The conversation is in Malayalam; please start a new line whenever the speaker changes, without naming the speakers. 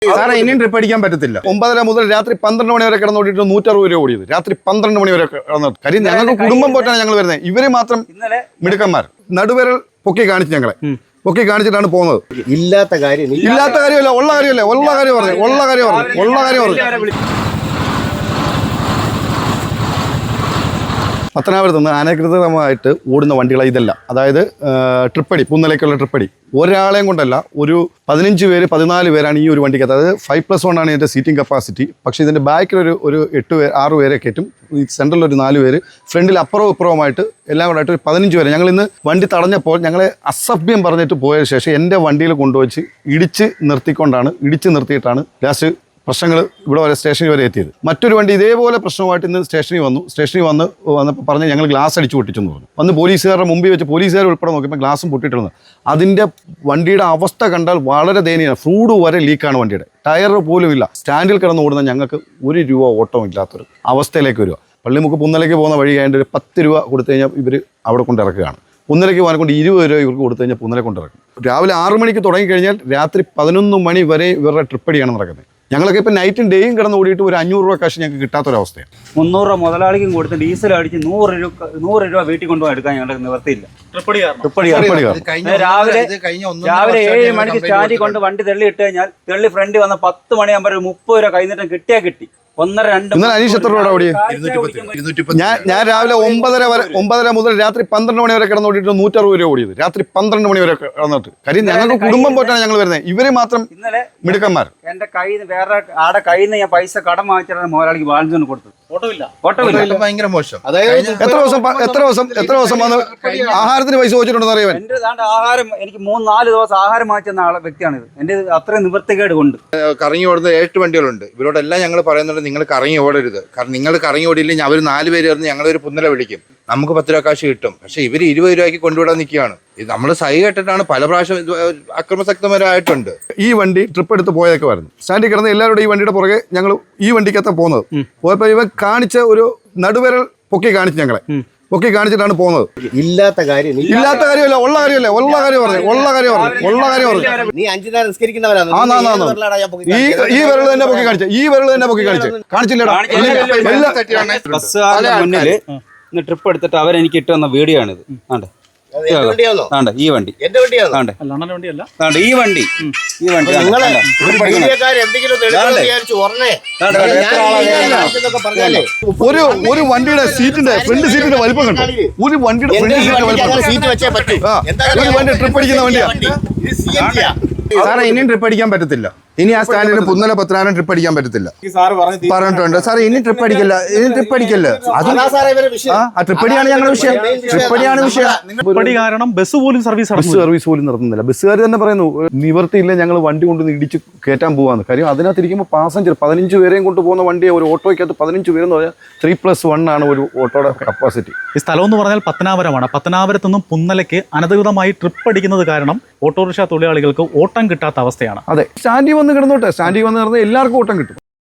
സാറേ ഇനിയും ട്രിപ്പ് അടിക്കാൻ പറ്റത്തില്ല.
9:30 മുതൽ രാത്രി 12 മണി വരെ കിടന്നോട്ടിട്ട് 160 രൂപ ഓടിയത്. രാത്രി 12 മണി വരെ കിടന്നു. കാര്യം ഞങ്ങൾക്ക് കുടുംബം പോറ്റാണ് ഞങ്ങൾ വരുന്നത്. ഇവര് മാത്രം മിടുക്കന്മാർ. നടുവിരൽ പൊക്കി കാണിച്ചു ഞങ്ങളെ പൊക്കി കാണിച്ചിട്ടാണ് പോകുന്നത്.
ഇല്ലാത്ത
കാര്യമല്ല, ഉള്ള കാര്യം പറഞ്ഞു. പത്തനാപുരത്ത് നിന്ന് അനധികൃതമായിട്ട് ഓടുന്ന വണ്ടികളെ ഇതല്ല. അതായത് ട്രിപ്പടി, പുന്നലേക്കുള്ള ട്രിപ്പടി ഒരാളെയും കൊണ്ടല്ല, ഒരു 15 പേര് 14 പേരാണ് ഈ ഒരു വണ്ടിക്കകത്ത്. അതായത് 5+1 ആണ് ഇതിൻ്റെ സീറ്റിംഗ് കപ്പാസിറ്റി. പക്ഷേ ഇതിൻ്റെ ബാക്കിലൊരു 6 പേരെ കയറ്റും. ഈ സെൻട്രലിൽ ഒരു 4 പേര്, ഫ്രണ്ടിൽ അപ്പുറവും ഇപ്പുറവുമായിട്ട് എല്ലാം കൂടെ ആയിട്ട് ഒരു 15 പേര്. ഞങ്ങൾ ഇന്ന് വണ്ടി തടഞ്ഞപ്പോൾ ഞങ്ങളെ അസഭ്യം പറഞ്ഞിട്ട് പോയ ശേഷം എൻ്റെ വണ്ടിയിൽ കൊണ്ടുവച്ച് ഇടിച്ച് നിർത്തിയിട്ടാണ് ലാസ്റ്റ് പ്രശ്നങ്ങൾ ഇവിടെ വരെ സ്റ്റേഷനിൽ വരെ എത്തിയത്. മറ്റൊരു വണ്ടി ഇതേപോലെ പ്രശ്നമായിട്ട് ഇന്ന് സ്റ്റേഷനിൽ വന്നപ്പോൾ പറഞ്ഞ് ഞങ്ങൾ ഗ്ലാസ് അടിച്ച് പൊട്ടിച്ചെന്ന് പറഞ്ഞു. വന്ന് പോലീസുകാരുടെ മുമ്പിൽ വെച്ച് പോലീസുകാർ ഉൾപ്പെടെ നോക്കിയപ്പോൾ ഗ്ലാസും പൊട്ടിയിട്ടുണ്ട്. അതിൻ്റെ വണ്ടിയുടെ അവസ്ഥ കണ്ടാൽ വളരെ ദയനീയമാണ്. ഫ്ലൂഡ് വരെ ലീക്കാണ് വണ്ടിയുടെ. ടയർ പോലും ഇല്ല. സ്റ്റാൻഡിൽ കിടന്ന് ഓടുന്ന ഞങ്ങൾക്ക് 1 രൂപ ഓട്ടവും ഇല്ലാത്തൊരു അവസ്ഥയിലേക്ക് വരിക. പള്ളിമുക്ക് പുന്നലേക്ക് പോകുന്ന വഴി ആയതുകൊണ്ട് ഒരു 10 രൂപ കൊടുത്തു കഴിഞ്ഞാൽ ഇവർ അവിടെ കൊണ്ട് ഇറക്കുകയാണ്. പുന്നലേക്ക് പോകാൻ കൊണ്ട് 20 രൂപ ഇവർക്ക് കൊടുത്തു കഴിഞ്ഞാൽ പുന്നലെ കൊണ്ടിറക്കും. രാവിലെ 6 മണിക്ക് തുടങ്ങിക്കഴിഞ്ഞാൽ രാത്രി 11 മണി വരെ ഇവരുടെ ട്രിപ്പടിയാണ് നടക്കുന്നത്. ഞങ്ങളൊക്കെ ഇപ്പം നൈറ്റും ഡേയും കിടന്ന് ഓടിയിട്ട് ഒരു 500 രൂപ കാശ് ഞങ്ങൾക്ക് കിട്ടാത്തൊരവസ്ഥയാണ്.
300 രൂപ മുതലാളിക്കും കൊടുത്ത് ഡീസൽ അടിച്ച് 100 രൂപ വീട്ടിൽ കൊണ്ടുപോയി എടുക്കാൻ ഞങ്ങൾക്ക് നിവർത്തിയില്ല. രാവിലെ 7 മണിക്ക് സ്റ്റാൻഡിൽ കൊണ്ട് വണ്ടി തെള്ളി ഇട്ട് കഴിഞ്ഞാൽ തെള്ളി ഫ്രണ്ട് വന്ന 10 മണിയാകുമ്പോൾ 30 രൂപ കൈനീട്ടം കിട്ടിയാൽ കിട്ടി. 1.5
അനീഷ് എത്ര രൂപ ഓടിയത്? ഞാൻ രാവിലെ 9:30 മുതൽ രാത്രി 12 മണി വരെ കിടന്നോട്ടിട്ട് 160 രൂപ ഓടിയത്. രാത്രി 12 മണി വരെ കിടന്നിട്ട്. കാര്യം ഞങ്ങൾക്ക് കുടുംബം പോറ്റാണ് ഞങ്ങൾ വരുന്നത്. ഇവര് മാത്രം മിടുക്കന്മാർ.
എന്റെ കയ്യിൽ നിന്ന് വേറെ ആടെ കയ്യിൽ നിന്ന് ഞാൻ പൈസ കടം വാങ്ങിച്ചാണ് മുതലാളിക്ക് ബാലൻസ് കൊടുത്തത്. ഓട്ടമില്ല.
ഭയങ്കര മോശം.
അതായത് എത്ര ദിവസം വന്ന് ആഹാരത്തിന് പൈസ ചോദിച്ചിട്ടുണ്ടെന്ന് അറിയാൻ.
എന്റെ ആഹാരം എനിക്ക് 3-4 ദിവസം ആഹാരം വാങ്ങിച്ചെന്ന വ്യക്തിയാണിത്. എന്റെ അത്രയും നിവൃത്തികേട് കൊണ്ട്
കറങ്ങി ഓടുന്ന 8 വണ്ടികളുണ്ട്. ഇവരോടെല്ലാം ഞങ്ങൾ പറയുന്നുണ്ട്, നിങ്ങൾ കറങ്ങി ഓടരുത്. കാരണം നിങ്ങൾ കറങ്ങി ഓടിയില്ലെങ്കിൽ അവർ 4 പേര് ചേർന്ന് ഞങ്ങളൊരു പുന്നല വിളിക്കും. നമുക്ക് 10 രൂപ കാശ് കിട്ടും. പക്ഷെ ഇവർ 20 രൂപയ്ക്ക് കൊണ്ടുവിടാൻ നിൽക്കുകയാണ്. ഇത് നമ്മൾ സഹി കേട്ടിട്ടാണ് പല പ്രാവശ്യം അക്രമസക്തമാരായിട്ടുണ്ട്.
ഈ വണ്ടി ട്രിപ്പ് എടുത്ത് പോയതൊക്കെ വരുന്നു. സ്റ്റാൻഡിൽ കിടന്ന് എല്ലാവരും ഈ വണ്ടിയുടെ പുറകെ ഞങ്ങൾ ഈ വണ്ടിക്കകത്ത് പോകുന്നത്. പോയപ്പോൾ ഇവൻ കാണിച്ച ഒരു നടുവിരൽ പൊക്കി കാണിച്ചിട്ടാണ് പോകുന്നത്.
ഇല്ലാത്ത കാര്യമല്ല, ഉള്ള കാര്യം പറഞ്ഞു. നീ 5 നേരം നിസ്കരിക്കുന്നവരാണ്.
ഈ വിരൽ തന്നെ പൊക്കി കാണിച്ചില്ലടാ.
മുന്നില് ട്രിപ്പ് എടുത്തിട്ട് അവരെനിക്ക് ഇട്ട് വന്ന വീഡിയോ ആണിത്. ഈ വണ്ടി
ഒരു വണ്ടിയുടെ സീറ്റിന്റെ ഫ്രണ്ട് സീറ്റിന്റെ വലിപ്പം കണ്ടു. ഒരു വണ്ടിയുടെ ട്രിപ്പ് അടിക്കുന്ന വണ്ടിയാണ്. സാറേ ഇനിയും ട്രിപ്പ് അടിക്കാൻ പറ്റത്തില്ല. ഇനി ആ സ്റ്റാൻഡിൽ പുന്നല പത്തനാപുരം ട്രിപ്പ് അടിക്കാൻ പറ്റത്തില്ല പറഞ്ഞിട്ടുണ്ട്. സാറേ ഇനി ട്രിപ്പ് അടിക്കല്ല. ആ ട്രിപ്പടിയാണ് ഞങ്ങളുടെ വിഷയം.
ട്രിപ്പടി കാരണം ബസ് പോലും സർവീസ്
നടത്തുന്നില്ല. ബസ്സുകാർ തന്നെ പറയുന്നു നിവർത്തിയില്ല, ഞങ്ങൾ വണ്ടി കൊണ്ട് ഇടിച്ച് കയറ്റാൻ പോവാന്ന്. കാര്യം അതിനകത്ത് ഇരിക്കുമ്പോൾ പാസഞ്ചർ 15 പേരെയും കൊണ്ട് പോകുന്ന വണ്ടിയെ ഒരു ഓട്ടോയ്ക്കകത്ത് 15 പേരെന്ന് പറഞ്ഞാൽ 3+1 ആണ് ഒരു ഓട്ടോയുടെ കപ്പാസിറ്റി.
ഈ സ്ഥലം എന്ന് പറഞ്ഞാൽ പത്തനാപുരമാണ്. പത്തനാപുരത്ത് നിന്നും പുന്നലയ്ക്ക് അനധികൃതമായി ട്രിപ്പ് അടിക്കുന്നത് കാരണം ഓട്ടോറിക്ഷ തൊഴിലാളികൾക്ക് ഓട്ടം കിട്ടാത്ത അവസ്ഥയാണ്.
അതെ, സ്റ്റാൻഡിൽ വന്ന് കിടന്നോട്ടെ. സ്റ്റാൻഡിൽ വന്ന് കിടന്ന് എല്ലാവർക്കും ഓട്ടം കിട്ടും.